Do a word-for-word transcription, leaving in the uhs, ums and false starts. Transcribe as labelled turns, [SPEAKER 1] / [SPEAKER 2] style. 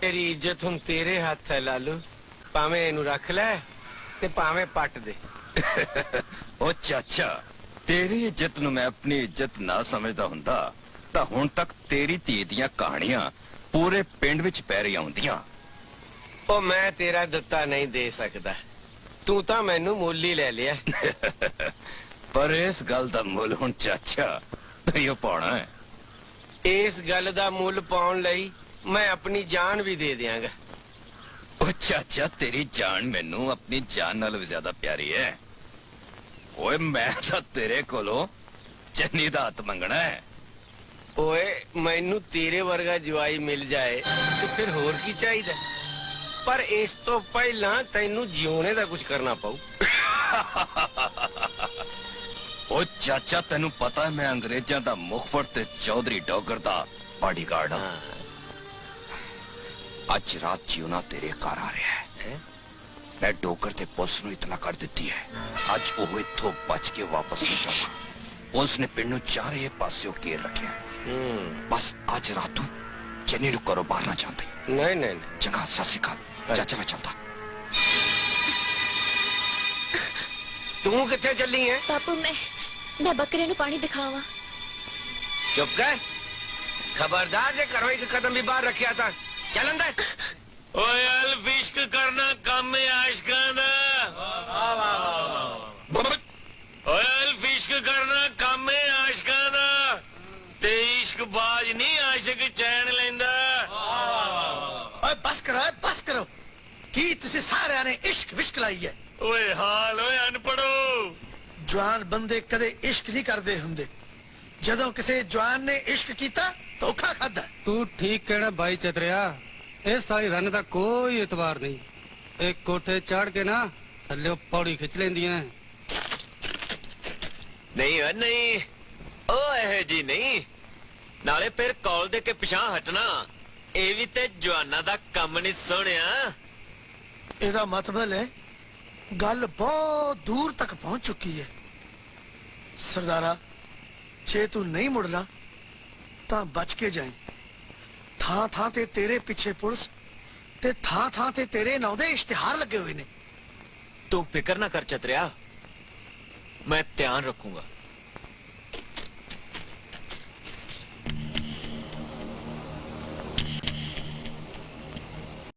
[SPEAKER 1] तेरी इज्जत हुण तेरे हाथ है लालू, भावें इनू रख लै ते भावें पट दे।
[SPEAKER 2] ओ चाचा, तेरी इज्जत नू मैं अपनी इज्जत ना समझदा हुंदा तां हुण तक तेरी धी दियां कहानियां पूरे पिंड विच पै रही आउंदियां।
[SPEAKER 1] ओ मैं तेरा दित्ता नहीं दे सकदा, तू तां मैनू मुल ही ले लिया।
[SPEAKER 2] पर इस गल दा मुल हुण चाचा तैयो पाउणा है।
[SPEAKER 1] इस गल दा मुल पाउण लई मैं अपनी जान भी दे दियांगा।
[SPEAKER 2] ओ चाचा, तेरी जान मैनू अपनी जान नाल भी ज्यादा प्यारी है। ओए मैं तां तेरे कोलों चन्नी दा हत्थ मंगना है।
[SPEAKER 1] ओए मैनू तेरे वर्गा जवाई मिल जाए तो फिर होर की चाहिदा, पर इस तो पहला तैनू जिउणे दा कुछ करना पाऊ।
[SPEAKER 2] ओ चाचा, तेनू पता है मैं अंग्रेजां दा मुखफर ते चौधरी डॉगर दा बॉडीगार्ड हां। अज रात जिउना तेरे घर आ रहा है। मैं डोगर ते पुलिस नू इतला कर दी है, अज वो इत्थों बच के वापस नहीं जाऊंगा। पुलिस ने पिंड नू चारे पास्यों घेर रखे। बस अज रात चन्नी नू घरों बाहर ना जाते।
[SPEAKER 1] नहीं नहीं
[SPEAKER 2] चंगा, सत श्री अकाल चाचा, मैं चलता।
[SPEAKER 1] तू किथे चली है?
[SPEAKER 3] बापू मैं मैं बकरे नू पानी दिखावा।
[SPEAKER 1] चुप कर, खबरदार जे करो एक कदम भी बाहर रखिया था चल अंदर। ओए अल्फ इश्क करना काम है आशिकां दा। ओए अल्फ इश्क करना काम है आशिकां दा, ते इश्क बाज नहीं आशिक चैन लेंदा।
[SPEAKER 4] ओए बस करो, बस करो, की तुसी सारे ने इश्क विश्क लाई है।
[SPEAKER 1] ओए हाल ओए अनपढ़ो,
[SPEAKER 4] जवान बंदे कदे इश्क नहीं करते हुंदे, जदों किसी जवान ने इश्क किया धोखा खादा।
[SPEAKER 5] तू ठीक कहना भाई चतरिया, इस सारी रन का कोई एतबार नहीं। एक कोठे चढ़ के ना थल्ले पौड़ी खिंच लेंदियां।
[SPEAKER 1] नहीं है नहीं, ओ है जी नहीं, नाले फिर कॉल दे के पिछा हटना ये भी ते जवाना दा कम नहीं सोनिया।
[SPEAKER 4] एदा मतलब है गल बहुत दूर तक पहुंच चुकी है। सरदारा, जे तू नहीं मुड़ना ता बच के जाए। थां थां ते तेरे पिछे पुलिस ते थां थां ते तेरे नां दे इश्तिहार लगे हुए ने।
[SPEAKER 1] तू फिक्र ना कर चतरिया, मैं ध्यान रखूंगा।